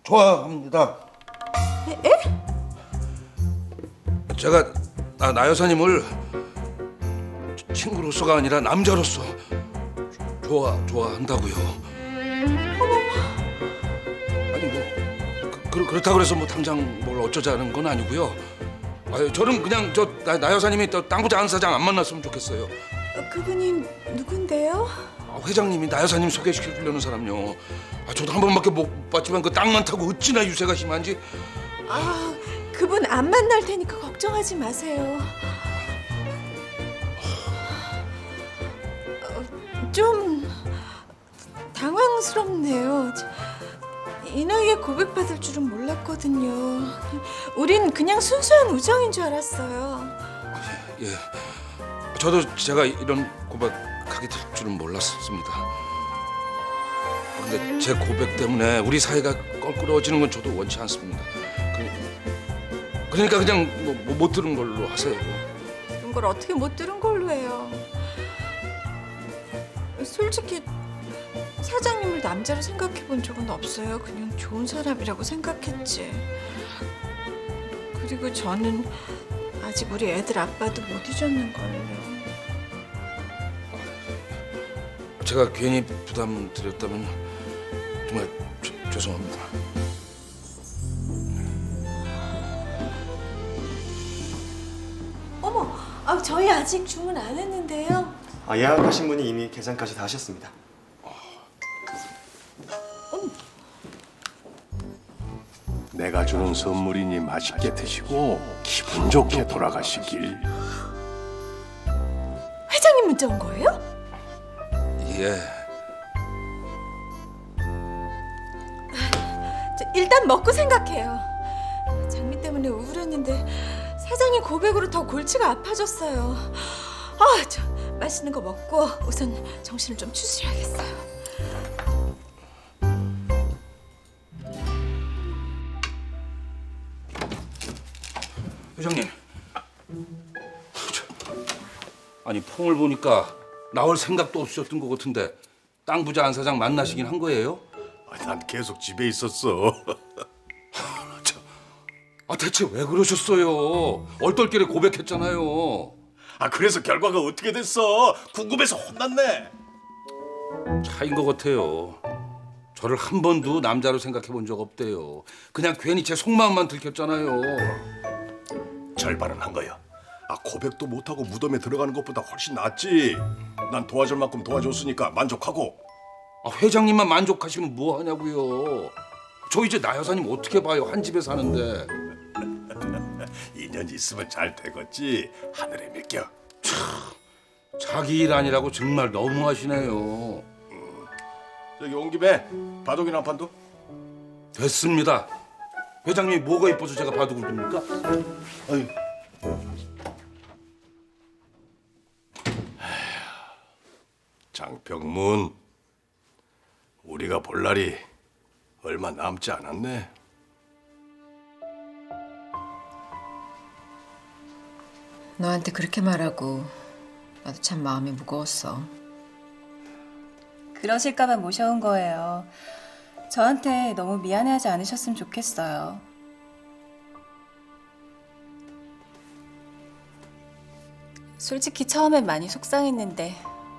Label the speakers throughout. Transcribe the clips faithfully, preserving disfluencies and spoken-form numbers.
Speaker 1: 좋아합니다.
Speaker 2: 에? 에?
Speaker 1: 제가 나, 나 여사님을 친구로서가 아니라 남자로서 좋아 좋아한다고요. 아니 뭐 그, 그렇다 그래서 뭐 당장 뭘 어쩌자는 건 아니고요. 아유, 저는 그냥 저 나 여사님이 또 땅부자 안 사장 안 만났으면 좋겠어요.
Speaker 2: 어, 그분이 누군데요?
Speaker 1: 아, 회장님이 나 여사님 소개시켜 주려는 사람요. 아, 저도 한 번밖에 못 봤지만 그 땅만 타고 어찌나 유세가 심한지.
Speaker 2: 아, 그분 안 만날 테니까 걱정하지 마세요. 어, 좀 당황스럽네요. 이 나이에 고백받을 줄은 몰랐거든요. 우린 그냥 순수한 우정인 줄 알았어요.
Speaker 1: 예, 저도 제가 이런 고백하게 될 줄은 몰랐습니다. 근데 제 고백 때문에 우리 사이가 껄끄러워지는 건 저도 원치 않습니다. 그, 그러니까 그냥 뭐, 뭐 못 들은 걸로 하세요.
Speaker 2: 그런 걸 어떻게 못 들은 걸로 해요. 솔직히 사장님을 남자로 생각해 본 적은 없어요. 그냥 좋은 사람이라고 생각했지. 그리고 저는 아직 우리 애들 아빠도 못 잊었는걸요.
Speaker 1: 제가 괜히 부담 드렸다면 정말 죄- 죄송합니다.
Speaker 2: 어머, 아, 저희 아직 주문 안 했는데요.
Speaker 3: 아, 예약하신 분이 이미 계산까지 다 하셨습니다.
Speaker 4: 내가 주는 선물이니 맛있게 드시고 기분 좋게 돌아가시길.
Speaker 2: 회장님 문자 온 거예요?
Speaker 1: 예.
Speaker 2: 저 일단 먹고 생각해요. 장미 때문에 우울했는데 사장님 고백으로 더 골치가 아파졌어요. 아, 저 맛있는 거 먹고 우선 정신을 좀 추스려야겠어요.
Speaker 1: 회장님. 아니 폼을 보니까 나올 생각도 없으셨던 것 같은데 땅 부자 안 사장 만나시긴 한 거예요?
Speaker 4: 아, 난 계속 집에 있었어.
Speaker 1: 아 대체 왜 그러셨어요? 얼떨결에 고백했잖아요.
Speaker 4: 아, 그래서 결과가 어떻게 됐어? 궁금해서 혼났네.
Speaker 1: 차인 것 같아요. 저를 한 번도 남자로 생각해 본 적 없대요. 그냥 괜히 제 속마음만 들켰잖아요.
Speaker 4: 절반은 한 거야. 아, 고백도 못하고 무덤에 들어가는 것보다 훨씬 낫지. 난 도와줄 만큼 도와줬으니까 만족하고.
Speaker 1: 아, 회장님만 만족하시면 뭐 하냐고요. 저 이제 나 여사님 어떻게 봐요? 한 집에 사는데.
Speaker 4: 인연 있으면 잘 되겠지. 하늘에 맡겨.
Speaker 1: 자기 일 아니라고 정말 너무하시네요.
Speaker 4: 저기 온 김에 바둑이나 한 판도?
Speaker 1: 됐습니다. 회장님이 뭐가 이뻐서 제가 바둑을 둡니까? 아유.
Speaker 4: 장평문, 우리가 볼 날이 얼마 남지 않았네.
Speaker 5: 너한테 그렇게 말하고 나도 참 마음이 무거웠어.
Speaker 6: 그러실까봐 모셔온 거예요. 저한테 너무 미안해하지 않으셨으면 좋겠어요. 솔직히 처음엔 많이 속상했는데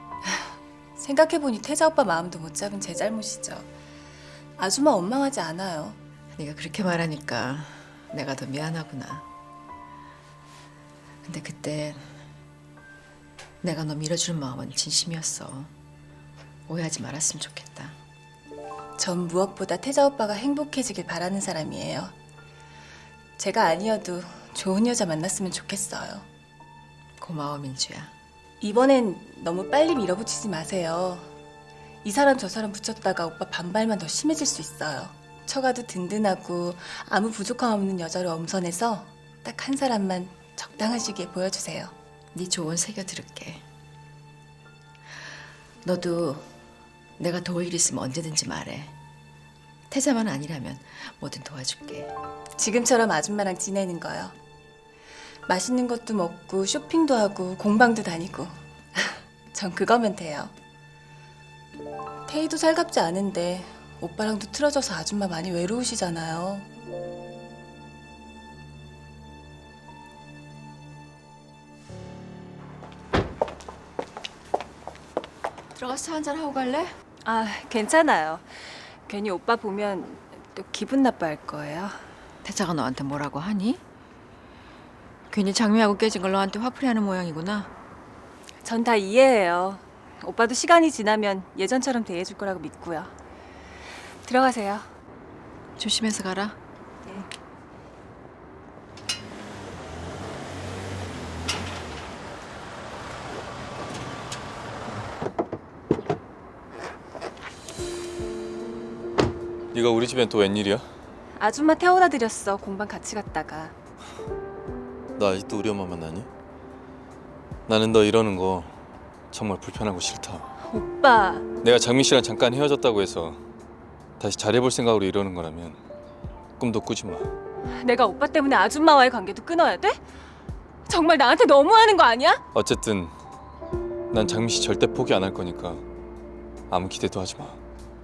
Speaker 6: 생각해보니 태자 오빠 마음도 못 잡은 제 잘못이죠. 아줌마 원망하지 않아요.
Speaker 5: 네가 그렇게 말하니까 내가 더 미안하구나. 근데 그때 내가 너 밀어주는 마음은 진심이었어. 오해하지 말았으면 좋겠다.
Speaker 6: 전 무엇보다 태자 오빠가 행복해지길 바라는 사람이에요. 제가 아니어도 좋은 여자 만났으면 좋겠어요.
Speaker 5: 고마워, 민주야.
Speaker 6: 이번엔 너무 빨리 밀어붙이지 마세요. 이 사람 저 사람 붙였다가 오빠 반발만 더 심해질 수 있어요. 처가도 든든하고 아무 부족함 없는 여자로 엄선해서 딱 한 사람만 적당하시게 보여주세요.
Speaker 5: 네 조언 새겨 들을게. 너도 내가 도울 일 있으면 언제든지 말해. 태자만 아니라면 뭐든 도와줄게.
Speaker 6: 지금처럼 아줌마랑 지내는 거요. 맛있는 것도 먹고 쇼핑도 하고 공방도 다니고 전 그거면 돼요. 태희도 살갑지 않은데 오빠랑도 틀어져서 아줌마 많이 외로우시잖아요.
Speaker 5: 들어가서 한잔 하고 갈래?
Speaker 6: 아, 괜찮아요. 괜히 오빠 보면 또 기분 나빠할 거예요.
Speaker 5: 태자가 너한테 뭐라고 하니? 괜히 장미하고 깨진 걸 너한테 화풀이하는 모양이구나.
Speaker 6: 전 다 이해해요. 오빠도 시간이 지나면 예전처럼 대해줄 거라고 믿고요. 들어가세요.
Speaker 5: 조심해서 가라.
Speaker 7: 네가 우리 집엔 또 웬일이야?
Speaker 6: 아줌마 태워다 드렸어. 공방 같이 갔다가.
Speaker 7: 너 아직도 우리 엄마 만나니? 나는 너 이러는 거 정말 불편하고 싫다.
Speaker 6: 오빠,
Speaker 7: 내가 장민 씨랑 잠깐 헤어졌다고 해서 다시 잘해볼 생각으로 이러는 거라면 꿈도 꾸지 마.
Speaker 6: 내가 오빠 때문에 아줌마와의 관계도 끊어야 돼? 정말 나한테 너무하는 거 아니야?
Speaker 7: 어쨌든 난 장민 씨 절대 포기 안 할 거니까 아무 기대도 하지 마.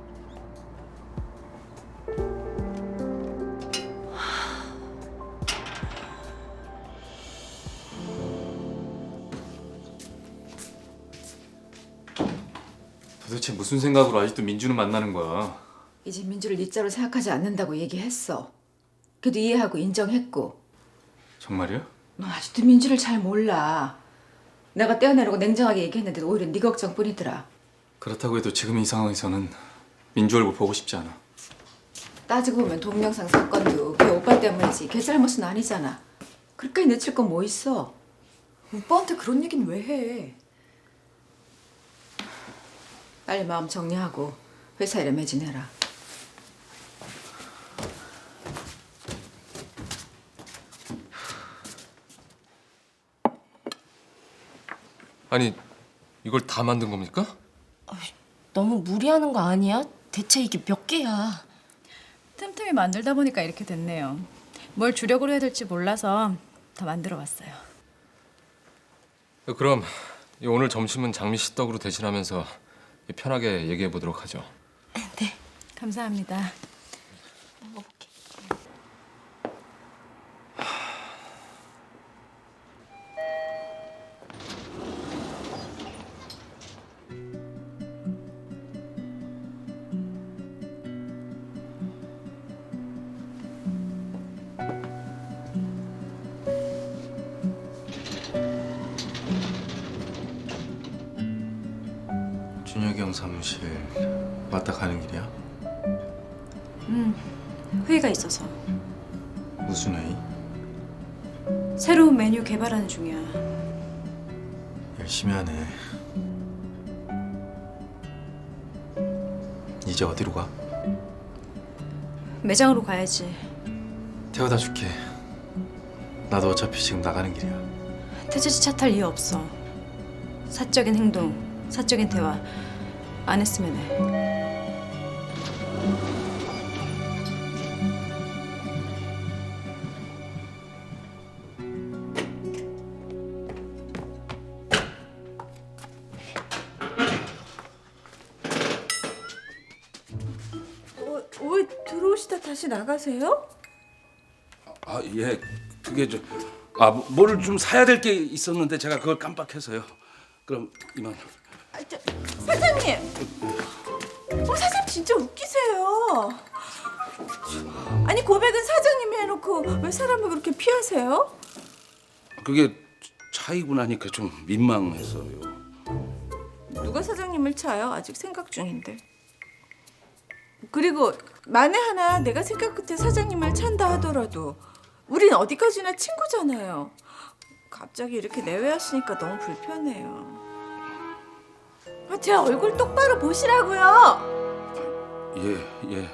Speaker 7: 도대체 무슨 생각으로 아직도 민주는 만나는 거야?
Speaker 5: 이제 민주를 네 자로 생각하지 않는다고 얘기했어. 그래도 이해하고 인정했고.
Speaker 7: 정말이야?
Speaker 5: 너 아직도 민주를 잘 몰라. 내가 떼어내려고 냉정하게 얘기했는데 오히려 네 걱정뿐이더라.
Speaker 7: 그렇다고 해도 지금 이 상황에서는 민주 얼굴 보고 싶지 않아.
Speaker 5: 따지고 보면 동영상 사건도 걔 오빠 때문이지 걔 잘못은 아니잖아. 그렇게까지 내칠 건 뭐 있어? 오빠한테 그런 얘기는 왜 해? 빨리 마음 정리하고 회사 일에 매진해라.
Speaker 8: 아니, 이걸 다 만든 겁니까?
Speaker 9: 너무 무리하는 거 아니야? 대체 이게 몇 개야?
Speaker 10: 틈틈이 만들다 보니까 이렇게 됐네요. 뭘 주력으로 해야 될지 몰라서 다 만들어 봤어요.
Speaker 8: 그럼 오늘 점심은 장미 씨 떡으로 대신하면서 편하게 얘기해 보도록 하죠.
Speaker 10: 감사합니다.
Speaker 9: 먹어볼게.
Speaker 7: 준혁이 형 사무실 왔다 가는 길이야?
Speaker 10: 회의가 있어서
Speaker 7: 무슨 회의?
Speaker 10: 새로운 메뉴 개발하는 중이야.
Speaker 7: 열심히 하네. 이제 어디로 가?
Speaker 10: 매장으로 가야지.
Speaker 7: 태워다 줄게. 나도 어차피 지금 나가는 길이야.
Speaker 10: 태지지 차 탈 이유 없어. 사적인 행동, 사적인 대화 안 했으면 해.
Speaker 2: 어, 왜 들어오시다 다시 나가세요?
Speaker 1: 아, 예. 그게 저 아, 뭐를 좀 사야 될 게 있었는데 제가 그걸 깜빡해서요. 그럼 이만.
Speaker 2: 아, 저, 사장님! 어, 사장님 진짜 웃기세요. 아니 고백은 사장님이 해놓고 왜 사람을 그렇게 피하세요?
Speaker 1: 그게 차이고 나니까 좀 민망해서요.
Speaker 2: 누가 사장님을 차요? 아직 생각 중인데. 그리고 만에 하나 내가 생각 끝에 사장님을 찬다 하더라도 우린 어디까지나 친구잖아요. 갑자기 이렇게 내외하시니까 너무 불편해요. 아, 제 얼굴 똑바로 보시라고요.
Speaker 1: 예, 예.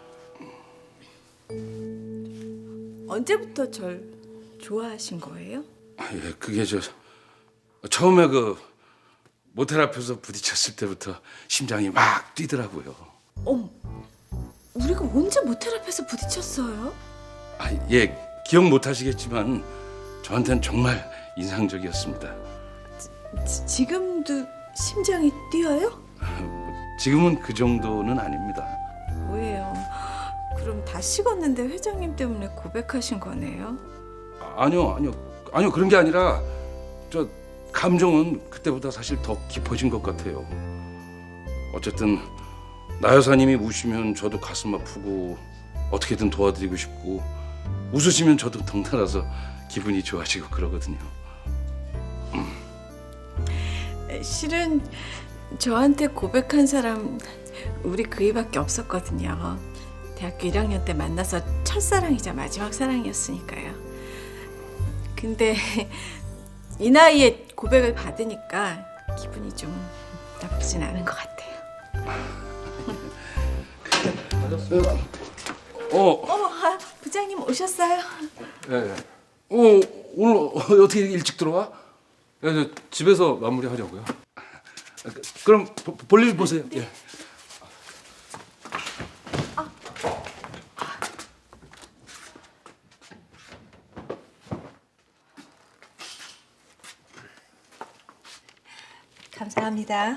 Speaker 2: 언제부터 절 좋아하신 거예요?
Speaker 1: 아, 예, 그게 저 처음에 그 모텔 앞에서 부딪혔을 때부터 심장이 막 뛰더라고요.
Speaker 2: 어머, 우리가 언제 모텔 앞에서 부딪혔어요?
Speaker 1: 아, 예, 기억 못 하시겠지만 저한테는 정말 인상적이었습니다.
Speaker 2: 지, 지금도 심장이 뛰어요?
Speaker 1: 지금은 그 정도는 아닙니다.
Speaker 2: 왜 식었는데 회장님 때문에 고백하신 거네요?
Speaker 1: 아, 아니요, 아니요, 아니요 그런 게 아니라 저 감정은 그때보다 사실 더 깊어진 것 같아요. 어쨌든 나 여사님이 우시면 저도 가슴 아프고 어떻게든 도와드리고 싶고 웃으시면 저도 덩달아서 기분이 좋아지고 그러거든요.
Speaker 2: 실은 저한테 고백한 사람 우리 그이밖에 없었거든요. 대학교 일 학년 때 만나서 첫사랑이자 마지막 사랑이었으니까요. 근데 이 나이에 고백을 받으니까 기분이 좀 나쁘진 않은 것 같아요.
Speaker 1: 어,
Speaker 2: 어머, 아, 부장님 오셨어요?
Speaker 8: 예, 예.
Speaker 1: 어 오늘 어떻게 일찍 들어와?
Speaker 8: 예, 저 집에서 마무리하려고요.
Speaker 1: 그럼 보- 볼일 보세요. 예.
Speaker 11: 감사합니다.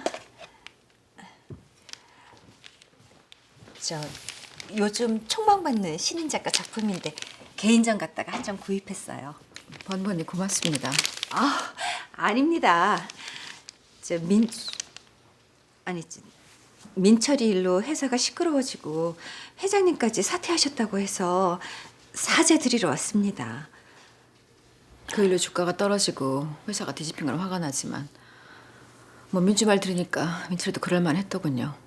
Speaker 11: 저 요즘 촉망받는 신인 작가 작품인데 개인전 갔다가 한 장 구입했어요.
Speaker 5: 번번이 고맙습니다.
Speaker 11: 아, 아닙니다. 저 민 아니 저, 민철이 일로 회사가 시끄러워지고 회장님까지 사퇴하셨다고 해서 사죄 드리러 왔습니다.
Speaker 5: 그 일로 주가가 떨어지고 회사가 뒤집힌 건 화가 나지만 뭐 민주 말 들으니까 민철이도 그럴만 했더군요.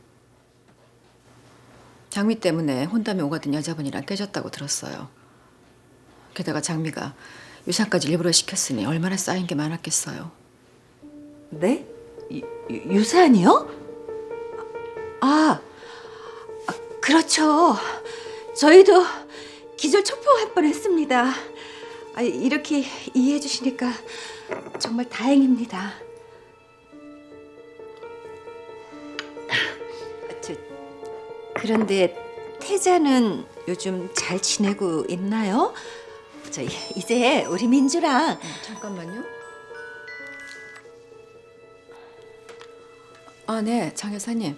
Speaker 5: 장미 때문에 혼담에 오가던 여자분이랑 깨졌다고 들었어요. 게다가 장미가 유산까지 일부러 시켰으니 얼마나 쌓인 게 많았겠어요.
Speaker 11: 네? 유, 유- 유산이요? 아, 아, 그렇죠. 저희도 기절 초풍할 뻔했습니다. 아, 이렇게 이해해 주시니까 정말 다행입니다. 저, 그런데 태자는 요즘 잘 지내고 있나요? 저 이제 우리 민주랑
Speaker 5: 잠깐만요. 아, 네, 장 여사님.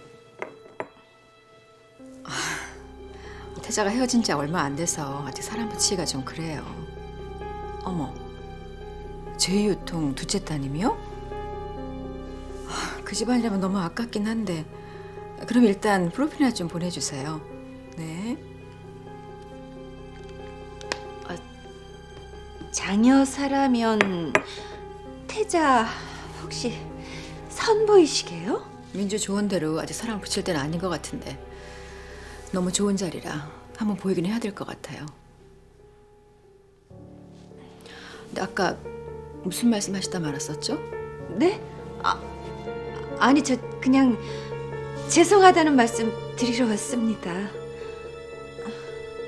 Speaker 5: 아, 태자가 헤어진 지 얼마 안 돼서 아직 사람 붙이기가 좀 그래요. 어머, 제이유통 둘째 따님이요? 아, 그 집안이라면 너무 아깝긴 한데 그럼 일단 프로필이나 좀 보내주세요. 네.
Speaker 11: 장여사라면 태자 혹시 선보이시게요?
Speaker 5: 민주 좋은 대로 아직 사랑 붙일 때는 아닌 것 같은데 너무 좋은 자리라 한번 보이긴 해야 될 것 같아요. 근데 아까 무슨 말씀하시다 말았었죠?
Speaker 11: 네? 아, 아니 저 그냥 죄송하다는 말씀 드리러 왔습니다.